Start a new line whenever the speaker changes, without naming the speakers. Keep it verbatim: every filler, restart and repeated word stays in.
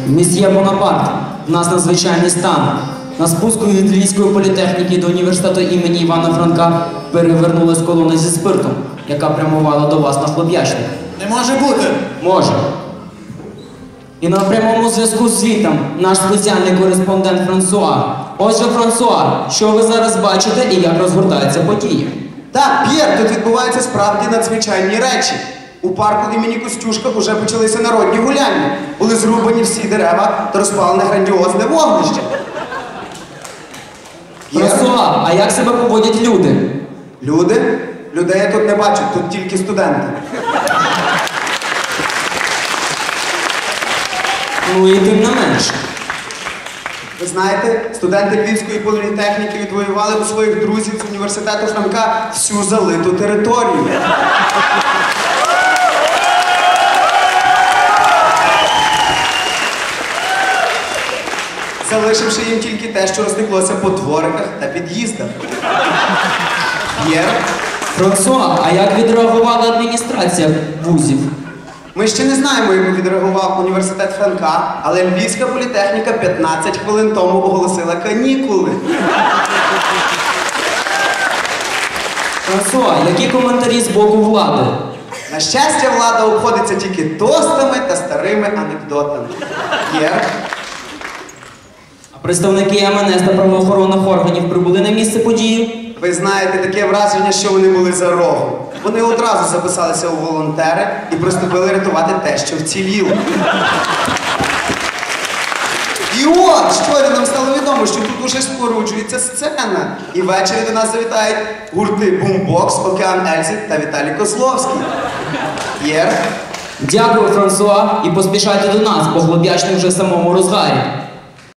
Місьє Бонапарт, у нас надзвичайний стан. На спуску від Львівської політехніки до університету імені Івана Франка перевернулась колона зі спиртом, яка прямувала до вас на Хлоп'ячник.
Не може бути!
Може. І на прямому зв'язку з світом наш спеціальний кореспондент Франсуа. Отже, Франсуа, що ви зараз бачите і як розгортаються події?
Так, П'єр, тут відбуваються справді надзвичайні речі. У парку імені Костюшка вже почалися народні гуляння. Були зрубані всі дерева та розпалене грандіозне вогнище.
Франсуа, а як себе поводять люди?
Люди? Людей я тут не бачу, тут тільки студенти.
Ну і тим не менше.
Ви знаєте, студенти Львівської політехніки відвоювали у своїх друзів з університету Франка всю залиту територію. Залишивши їм тільки те, що розтеклося по двориках та під'їздах. П'єр?
Франсуа, а як відреагувала адміністрація вузів?
Ми ще не знаємо, як відреагував університет Франка, але Львівська політехніка п'ятнадцять хвилин тому оголосила канікули.
Франсуа, які коментарі з боку влади?
На щастя, влада обходиться тільки тостами та старими анекдотами. П'єр?
А представники ем ен ес та правоохоронних органів прибули на місце події?
Ви знаєте, таке враження, що вони були за рогом. Вони одразу записалися у волонтери і приступили рятувати те, що вціліло. І от, щойно нам стало відомо, що тут уже споруджується сцена. І ввечері до нас завітають гурти Бумбокс, Океан Ельзи та Віталій Козловський. П'єр?
Дякую, Франсуа, і поспішайте до нас, бо Хлоп'ячник вже в самому розгарі.